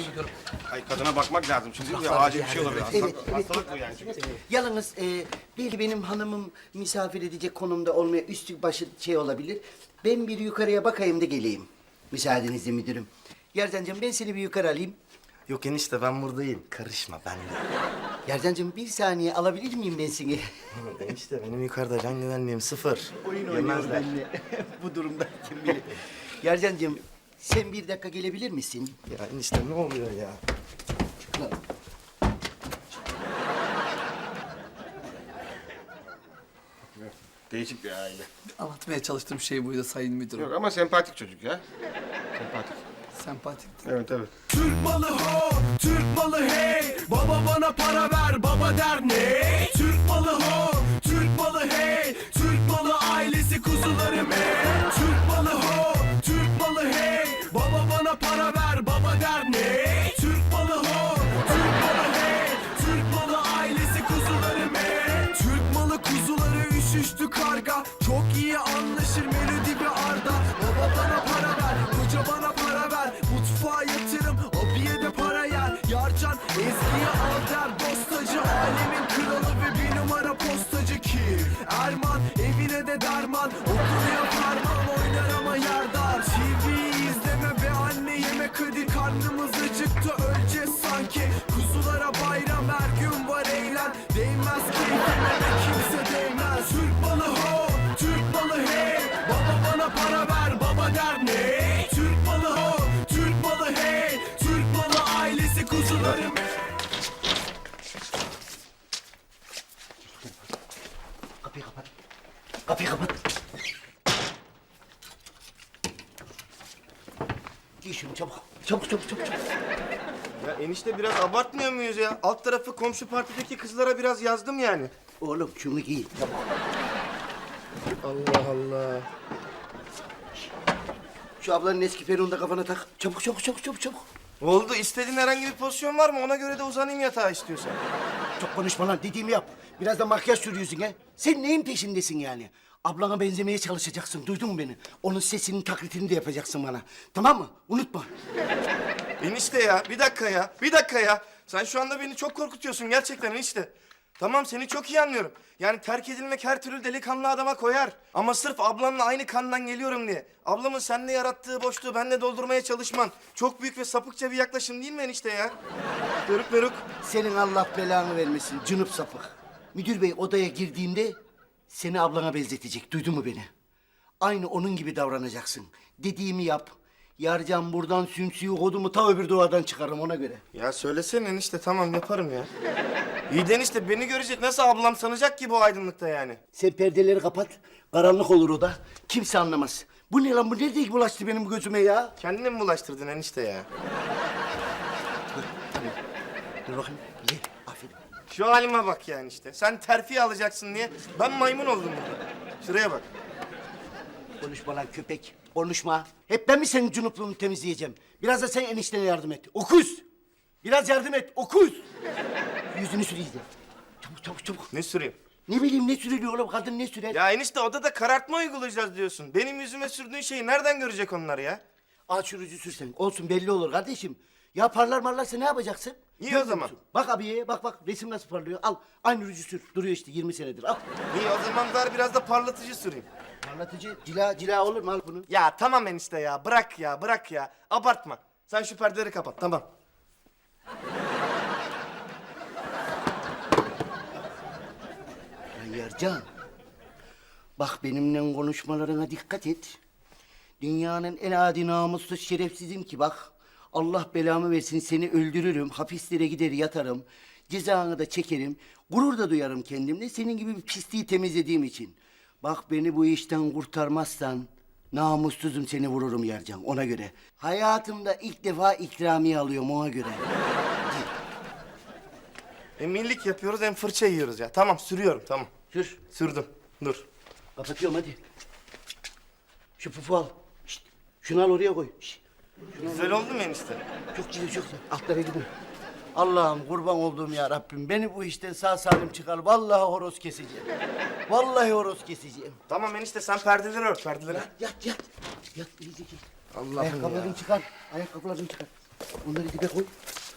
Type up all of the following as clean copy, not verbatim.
ediyorum. Ay kadına bakmak lazım çünkü acil bir şey olabilir. Hastalık bu yani. Yalnız belki benim hanımım misafir edecek konumda olmaya üstü başı şey olabilir. Ben bir yukarıya bakayım da geleyim. Müsaadenizle müdürüm. Yerdancığım ben seni bir yukarı alayım. Yok enişte ben buradayım. Karışma ben de. Yerdancığım bir saniye alabilir miyim ben seni? Enişte benim yukarıda can güvenliğim 0. Oyun oynuyor benimle. Bu durumda kim bilir. Yerdancığım sen bir dakika gelebilir misin? Ya enişte ne oluyor ya? Değişik bir aile. Anlatmaya çalıştığım şey buydu sayın müdürüm. Yok ama sempatik çocuk ya. Sempatik. Sempatik. Evet evet. Türk malı ho, Türk malı hey. Baba bana para ver, baba der ne? Türk malı ho, Türk malı hey. Türk malı ailesi kuzularım hey. Türk malı ho, Türk malı hey. Baba bana para ver, baba der ne? Türk malı ho, Türk malı hey. Türk malı ailesi kuzularım hey. Türk malı kuzuları üşüştü karga. Çok iyi anlaşır Melodi ve Arda. Baba bana para ver, koca bana para ver. Mutfağa yatırım, abiye de para yer. Yarcan Ezgi'ye al der. Dostacı alemin kralı ve bir numara postacı ki Erman evine de derman. Okunuyor parmağım oynar ama yerdar. TV izleme be anne yemek hadi. Karnımız acıktı öleceğiz sanki. Kuzulara bayram her gün var eğlen. Değmez keyfime de kimse değmez. Türk malı ho, Türk malı hey. Baba bana para ver, baba der ne? Türk malı ho, Türk malı hey. Türk malı ailesi kuzularım. Kapıyı kapat. Kapıyı kapat. Giy şunu çabuk. Çabuk çabuk çabuk. çabuk. Ya enişte biraz abartmıyor muyuz ya? Alt tarafı komşu partideki kızlara biraz yazdım yani. Oğlum şunu giy. Çabuk. Allah Allah. Şu ablanın eski peruğunu da kafana tak. Çabuk çabuk çabuk çabuk çabuk. Oldu. İstediğin herhangi bir pozisyon var mı? Ona göre de uzanayım yatağa istiyorsan. Çok konuşma lan dediğimi yap. Biraz da makyaj sürüyorsun ha. Sen neyin peşindesin yani? Ablana benzemeye çalışacaksın. Duydun mu beni? Onun sesinin taklitini de yapacaksın bana. Tamam mı? Unutma. Enişte ya, bir dakika ya, bir dakika ya. Sen şu anda beni çok korkutuyorsun gerçekten enişte. Tamam seni çok iyi anlıyorum. Yani terk edilmek her türlü delikanlı adama koyar. Ama sırf ablamla aynı kandan geliyorum diye. Ablamın seninle yarattığı boşluğu benimle doldurmaya çalışman çok büyük ve sapıkça bir yaklaşım değil mi enişte ya? Doruk Beruk. Senin Allah belanı vermesin cınıp sapık. Müdür bey odaya girdiğinde seni ablana benzetecek. Duydun mu beni? Aynı onun gibi davranacaksın. Dediğimi yap. Yarcan buradan sümsüyü kodumu ta öbür duvardan çıkarım ona göre. Ya söylesene enişte tamam yaparım ya. İyi de enişte beni görecek nasıl ablam sanacak ki bu aydınlıkta yani? Sen perdeleri kapat. Karanlık olur oda. Kimse anlamaz. Bu ne lan? Bu nerede bulaştı benim gözüme ya? Kendini mi bulaştırdın enişte ya? Dur bakayım. Ye. Aferin. Şu halime bak yani işte. Sen terfi alacaksın diye ben maymun oldum burada. Şuraya bak. Konuşma lan köpek. Konuşma. Hep ben mi senin cunupluğunu temizleyeceğim? Biraz da sen eniştene yardım et. Okuz. Biraz yardım et. Okuz. Yüzünü sür iyice. Çabuk çabuk çabuk. Ne süreyim? Ne bileyim ne sürülüyor oğlum? Kadın ne sürer? Ya enişte odada karartma uygulayacağız diyorsun. Benim yüzüme sürdüğün şeyi nereden görecek onlar ya? Ağaç sürücü sürsen. Olsun belli olur kardeşim. Ya parlar marlarsa ne yapacaksın? İyi o Görmüyor zaman. musun? Bak abiye bak resim nasıl parlıyor. Al aynı rücü sür. Duruyor işte 20 senedir. Al. İyi o zaman ver biraz da parlatıcı süreyim. Parlatıcı cila olur mu? Al bunu. Ya tamam enişte ya bırak ya bırak ya. Abartma. Sen şu perdeleri kapat tamam. Ya Yercan. Bak benimle konuşmalarına dikkat et. Dünyanın en adi namussuz şerefsizim ki bak. Allah belamı versin seni öldürürüm. Hapislere gider yatarım. Cezanı da çekerim. Gurur da duyarım kendimle. Senin gibi bir pisliği temizlediğim için. Bak beni bu işten kurtarmazsan namussuzum seni vururum Yercan ona göre. Hayatımda ilk defa ikramiye alıyorum ona göre. Millik yapıyoruz hem fırça yiyoruz ya. Tamam sürüyorum tamam. Sür. Sürdüm. Dur. Kapatıyorum hadi. Şu pufu al. Şişt. Şunu al oraya koy. Şişt. Güzel oldu mu enişte? Çok güzel çok güzel. Altlara gidin. Allah'ım kurban olduğum ya Rabbim. Beni bu işten sağ salim çıkar. Vallahi horoz keseceğim. Vallahi horoz keseceğim. Tamam enişte sen perdeleri ört perdeleri. Yat. Yat iyice git. Allah'ım Ayakkabılarını çıkar. Ayakkabılarını çıkar. Onları dibe koy.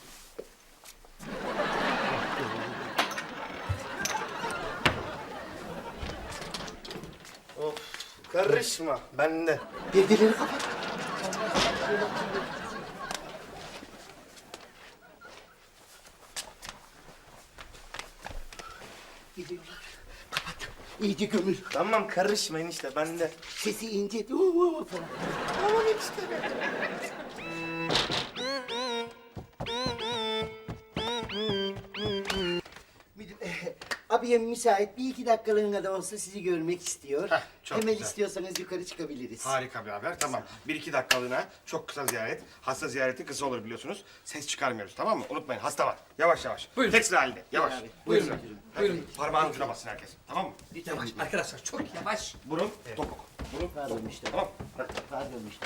Of, karışma bende. Perdeleri kapat. Gidiyorlar. Kapat. İyice gömül. Tamam karışma enişte bende. Sesi ince. Falan. Tamam enişte. Müdür, abiyem müsait. Bir iki dakikalığına da olsa sizi görmek istiyor. Heh, çok Hemen güzel. istiyorsanız yukarı çıkabiliriz. Harika bir haber. Tamam. 1-2 dakikalığına çok kısa ziyaret. Hasta ziyareti kısa olur biliyorsunuz. Ses çıkarmıyoruz tamam mı? Unutmayın hasta var. Yavaş yavaş. Buyurun. Tek sıra halinde. Yavaş. Abi, buyurun. Sıra. Buyurun. Parmağın ucuna bassın herkes. Tamam mı? Yavaş arkadaşlar çok yavaş. Burun, topuk. Burun, Pardon işte. tamam. Pardon işte.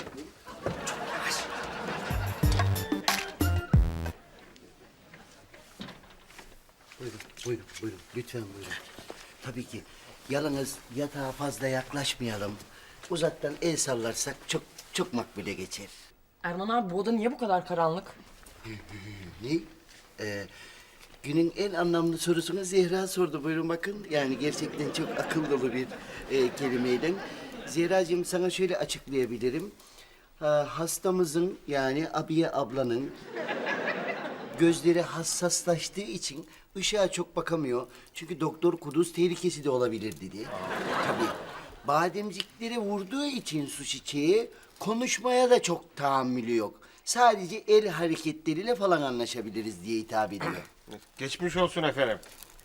Buyurun. Lütfen buyurun. Tabii ki. Yalnız yatağa fazla yaklaşmayalım. Uzaktan el sallarsak çok makbule geçer. Erman abi bu oda niye bu kadar karanlık? Ne? Günün en anlamlı sorusunu Zehra sordu. Buyurun bakın. Yani gerçekten çok akıl dolu bir kelimeyle. Zehracığım sana şöyle açıklayabilirim. Hastamızın yani Abiye ablanın gözleri hassaslaştığı için ışığa çok bakamıyor. Çünkü doktor kuduz tehlikesi de olabilir dedi. Tabii. Bademcikleri vurduğu için su çiçeği konuşmaya da çok tahammülü yok. Sadece el hareketleriyle falan anlaşabiliriz diye hitap ediyor. Geçmiş olsun efendim.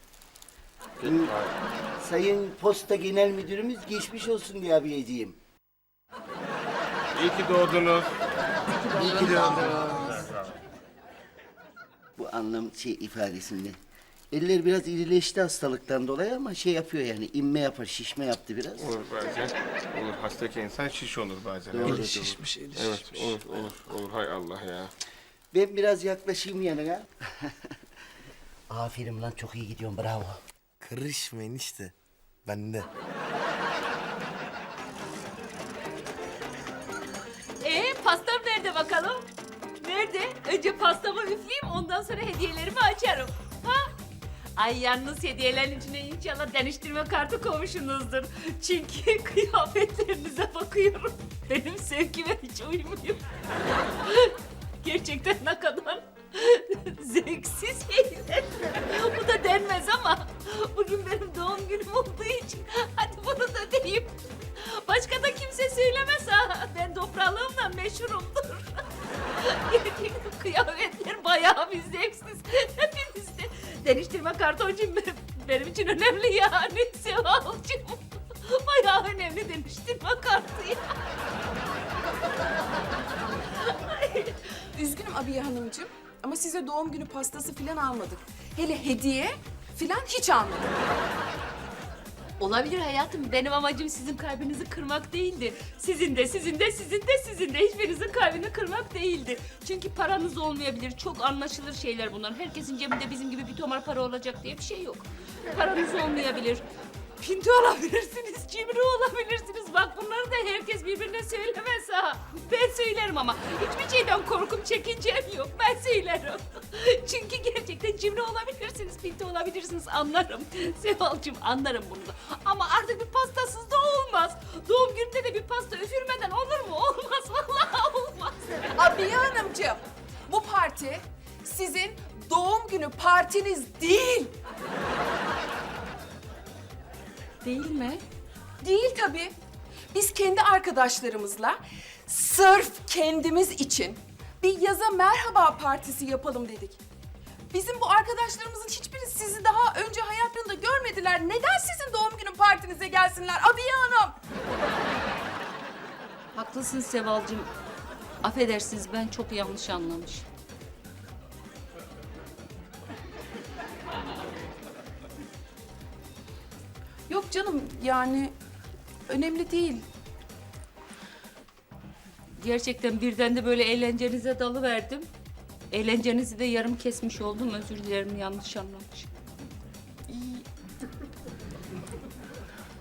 Sayın Posta Genel Müdürümüz geçmiş olsun diye abiyeciğim. İyi ki doğdunuz. Bu anlam ifadesinde. Eller biraz irileşti hastalıktan dolayı ama yapıyor yani inme yapar, şişme yaptı biraz. Olur bazen. Olur. Hastaki insan şiş olur bazen. Eli şişmiş, eli Evet, şişmiş. olur. Hay Allah ya. Ben biraz yaklaşayım yanına. Aferin lan çok iyi gidiyorsun bravo. Karışma enişte. Bende. Pastam nerede bakalım? Nerede? Önce pastamı üfleyeyim ondan sonra hediyelerimi açarım. Ha? Ay yalnız hediyelerin içine inşallah deniştirme kartı koymuşsunuzdur. Çünkü kıyafetlerinize bakıyorum. Benim sevgime hiç uymuyor. Gerçekten ne kadar zevksiz şeyler. Bu da denmez ama bugün benim doğum günüm olduğu için hadi bunu da diyeyim. Başka da kimse söylemez ha. Ben toprağlığımla meşhurumdur. Gerçekten kıyafetler bayağı bir zevksiz. Hepiniz de. Deniştirme kartoncum benim için önemli yani Sevalcığım. Bayağı önemli deniştirme kartı ya. Üzgünüm Abiye Hanımcığım ama size doğum günü pastası falan almadık. Hele hediye falan hiç almadık. Olabilir hayatım. Benim amacım sizin kalbinizi kırmak değildi. Sizin de hiçbirinizin kalbini kırmak değildi. Çünkü paranız olmayabilir. Çok anlaşılır şeyler bunlar. Herkesin cebinde bizim gibi bir tomar para olacak diye bir şey yok. Paranız olmayabilir. Pinti olabilirsiniz, cimri olabilirsiniz. Bak bunları da herkes birbirine söylemez ha. Ben söylerim ama hiçbir şeyden korkum, çekincem yok. Ben söylerim. Çünkü gerçekten cimri olabilirsiniz, pinti olabilirsiniz. Anlarım. Sevalcığım anlarım bunu da. Ama artık bir pastasız da olmaz. Doğum gününde de bir pasta üfürmeden olur mu? Olmaz. Vallahi olmaz. Abiye Hanımcığım bu parti sizin doğum günü partiniz değil. Değil mi? Değil tabii. Biz kendi arkadaşlarımızla sırf kendimiz için bir yaza merhaba partisi yapalım dedik. Bizim bu arkadaşlarımızın hiçbiri sizi daha önce hayatlarında görmediler. Neden sizin doğum günü partinize gelsinler Abiye Hanım? Haklısın Sevalcığım. Affedersiniz ben çok yanlış anlamışım. Yok canım yani önemli değil. Gerçekten birden de böyle eğlencenize dalıverdim. Eğlencenizi de yarım kesmiş oldum. Özür dilerim yanlış anlamışım.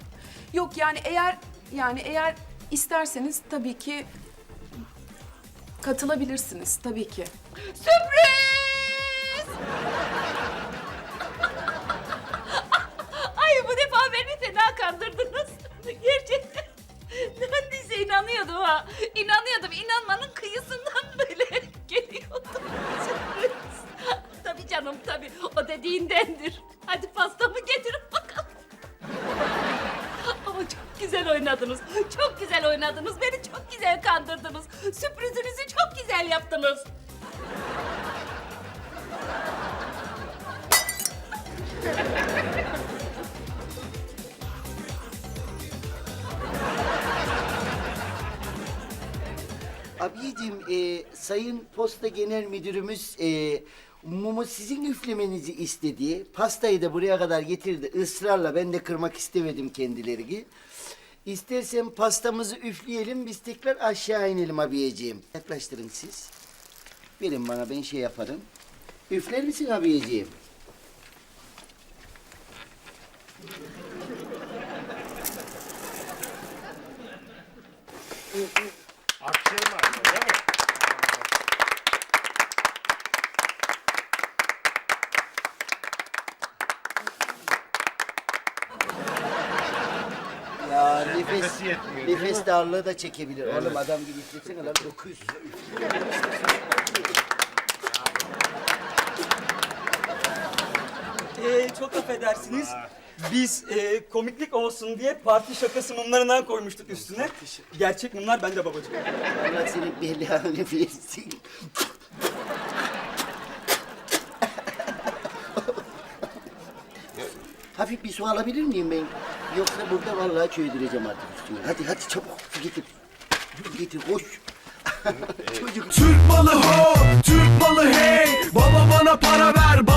Yok yani eğer isterseniz tabii ki Katılabilirsiniz tabii ki. Sürpriz! Ay bu defa beni fena kandırdınız. Gerçekten. Neredeyse inanıyordum ha. İnanıyordum. İnanmanın kıyısından böyle geliyordum. Sürpriz. Tabii canım tabii. O dediğindendir. Hadi pastamı getirin bakalım. Ama çok güzel oynadınız. Çok güzel oynadınız. Beni çok güzel kandırdınız. Sürprizinizi çok güzel yaptınız. Abiciğim, Sayın Posta Genel Müdürümüz mumu sizin üflemenizi istedi. Pastayı da buraya kadar getirdi ısrarla. Ben de kırmak istemedim kendilerini. İstersen pastamızı üfleyelim, biz tekrar aşağı inelim abiyeciğim. Yaklaştırın siz. Verin bana, ben şey yaparım. Üfler misin abiyeciğim? Akşam var değil mi? Ya nefes darlığı da çekebilir. Oğlum adam gibi üflesene lan, 900. Çok affedersiniz. Biz komiklik olsun diye parti şakası mumlarından koymuştuk üstüne. Gerçek mumlar bende babacığım. Allah senin belanı versin. Hafif bir su alabilir miyim ben? Yoksa burada vallahi çöydüreceğim artık üstüne. Hadi çabuk su getir. Getir koş. Çocuk. Türk malı ho, Türk malı hey. Baba bana para ver,